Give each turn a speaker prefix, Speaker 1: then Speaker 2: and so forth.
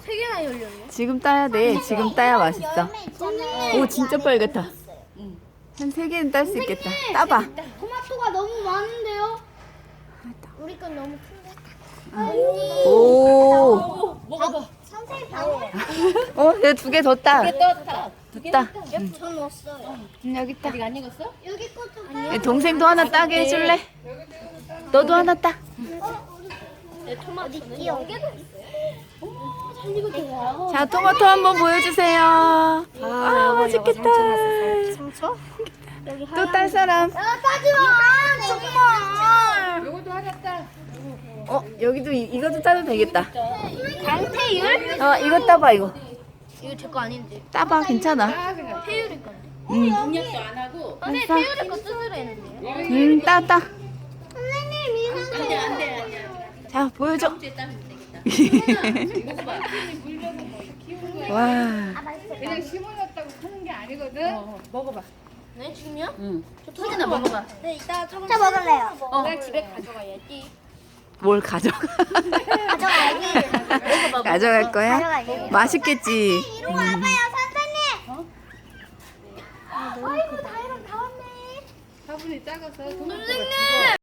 Speaker 1: 세 개나 열렸네.
Speaker 2: 지금 따야 돼. 지금 따야 맛있어.
Speaker 3: 열매 있잖아요.
Speaker 2: 오, 진짜 빨갛다. 한 3개는 딸 수 있겠다. 따봐.
Speaker 3: 토마토가 너무 많은데요? 우리 건 너무 큰데.
Speaker 2: 오.
Speaker 1: 먹어봐.
Speaker 3: 선생님 방금
Speaker 2: 내가 2개 더 따.
Speaker 1: 떴다.
Speaker 2: 따.
Speaker 3: 저 넣었어요.
Speaker 2: 여기 있다.
Speaker 1: 아직 안 익었어?
Speaker 3: 여기 것도
Speaker 2: 내 동생도 하나 따게 해줄래? 너도 하나 따.
Speaker 1: 내 토마토는
Speaker 3: 연계도
Speaker 1: 잘 익었대요.
Speaker 2: 자, 토마토 한번 보여주세요. 아, 맛있겠다.
Speaker 3: 상처? 여기
Speaker 2: 또 딸 사람.
Speaker 3: 따지 마! 정말!
Speaker 1: 요것도 하나 따.
Speaker 2: 여기도 이것도 따도 되겠다.
Speaker 3: 강태율?
Speaker 2: 이거 따봐, 이거.
Speaker 3: 이거 제 거 아닌데.
Speaker 2: 따봐, 괜찮아.
Speaker 3: 태율이 건데.
Speaker 1: 공략도 안 하고.
Speaker 3: 선생님 태율이 거 쓰으려 했는데요.
Speaker 2: 따.
Speaker 3: 선생님 이상해.
Speaker 1: 안돼.
Speaker 2: 자, 보여줘.
Speaker 1: 다음 주에 따면 되겠다. 먹어봐.
Speaker 2: 와.
Speaker 4: 그냥 심어놨다고 크는 게 아니거든.
Speaker 1: 먹어봐.
Speaker 3: 네 지금요?
Speaker 1: 응. 희진아 먹어봐.
Speaker 3: 네 이따 저 먹을래요.
Speaker 1: 나 집에 가져가야지.
Speaker 2: 뭘 가져가?
Speaker 3: 가져가야지.
Speaker 2: 가져갈 거야?
Speaker 3: 가져가야지.
Speaker 2: 맛있겠지.
Speaker 3: 이리 와봐요 선생님. 아이고 다이랑 다 왔네.
Speaker 4: 화분이 작아서
Speaker 3: 선생님.